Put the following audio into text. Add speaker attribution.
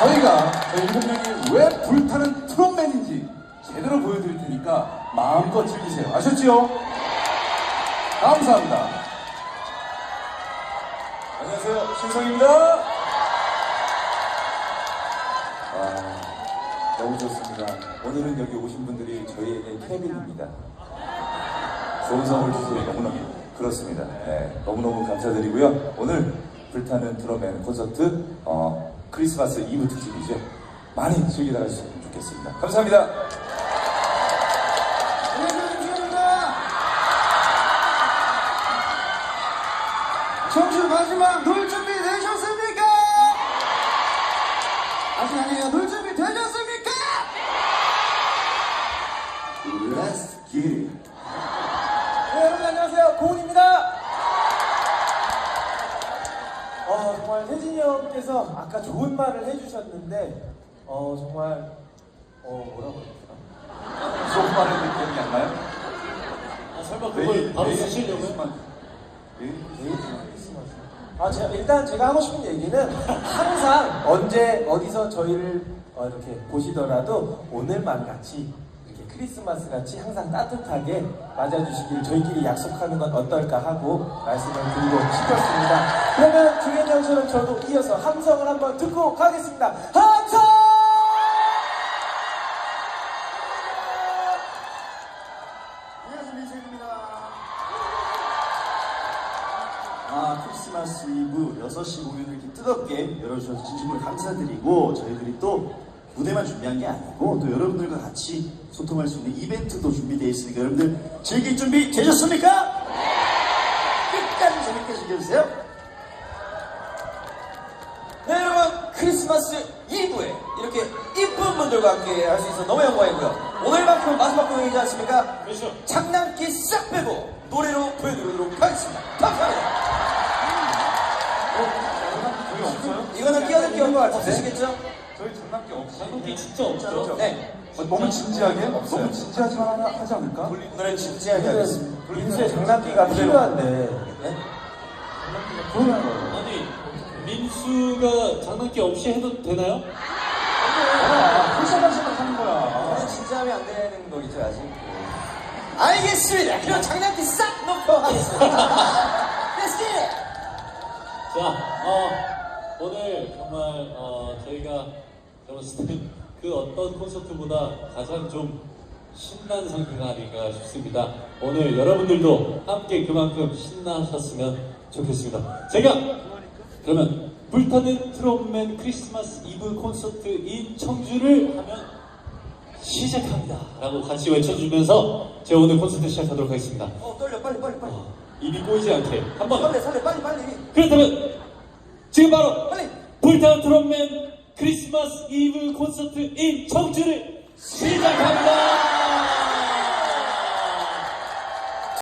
Speaker 1: 저희가 저희 7명이 왜 불타는 트롯맨인지 제대로 보여드릴 테니까 마음껏 즐기세요. 아셨지요? 감사합니다.
Speaker 2: 안녕하세요, 신성입니다. 너무 좋습니다. 오늘은 여기 오신 분들이 저희에게 케빈입니다. 좋은 선물 주셔서 너무너무 그렇습니다. 네, 너무너무 감사드리고요. 오늘 불타는 트롯맨 콘서트 크리스마스 이브 특집이죠. 많이 즐기다 가주셨으면 좋겠습니다. 감사합니다.
Speaker 3: 청주 마지막 놀 준비 되셨습니까? 아직 아니에요. 놀 준비 되셨습니까? Let's get it.
Speaker 4: 네, 여러분 안녕하세요. 고은입니다. 정말 혜진이 형께서 아까 좋은 말을 해주셨는데 정말 뭐라고 했더라?
Speaker 1: 좋은 말 했는데 기억이 안 나요?
Speaker 5: 설마 그걸 바로 쓰시려고요?
Speaker 4: 일단 제가 하고 싶은 얘기는 항상 언제 어디서 저희를 이렇게 보시더라도 오늘만 같이 이렇게 크리스마스 같이 항상 따뜻하게 맞아주시길 저희끼리 약속하는 건 어떨까 하고 말씀을 드리고 싶었습니다. 그러면 중현 형처럼 저도 이어서 함성을 한번 듣고 가겠습니다. 함성!
Speaker 3: 크리스마스 이브 6시 공연을 이렇게 뜨겁게 열어주셔서 진심으로 감사드리고 저희들이 또 무대만 준비한 게 아니고 또 여러분들과 같이 소통할 수 있는 이벤트도 준비되어 있으니까 여러분들 즐길 준비 되셨습니까? 끝까지 재밌게 즐겨주세요.
Speaker 4: 네 여러분 크리스마스 이브에 이렇게 이쁜 분들과 함께 할 수 있어서 너무 영광이고요. 오늘만큼은 마지막 공연이지 않습니까?
Speaker 5: 그렇죠.
Speaker 4: 장난기 싹 빼고 노래로 보여드리도록 하겠습니다. 감사합니다.
Speaker 1: 저희 없어요?
Speaker 4: 이거는 끼어들 게 없으시겠죠?
Speaker 1: 저희 장난기 없어요.
Speaker 5: 장난기 진짜 없죠?
Speaker 4: 네.
Speaker 1: 너무 진지하게? 너무 진지하지만 하지 않을까?
Speaker 4: 오늘은 진지하게 하겠습니다. 민수의 장난기가 필요한데. 네?
Speaker 5: 아니, 민수가 장난기 없이 해도 되나요?
Speaker 1: 풀샷하시면 하는 거야.
Speaker 4: 저는 진지하면 안 되는 거겠죠 아직? 알겠습니다. 그럼 장난기 싹 놓고 하겠습니다. Let's get it!
Speaker 5: 자, 오늘 정말 저희가 들었을 때 그 어떤 콘서트보다 가장 좀 신난 상태가 아닌가 싶습니다. 오늘 여러분들도 함께 그만큼 신나셨으면 좋겠습니다. 제가 그러면 불타는 트롯맨 크리스마스 이브 콘서트 인 청주를 하면 시작합니다 라고 같이 외쳐주면서 제가 오늘 콘서트 시작하도록 하겠습니다.
Speaker 4: 떨려 빨리.
Speaker 5: 입이 꼬이지 않게 한번
Speaker 4: 설레 빨리.
Speaker 5: 그렇다면 지금 바로
Speaker 4: 빨리.
Speaker 5: 불타는 트롯맨 크리스마스 이브 콘서트 인 청주를 시작합니다.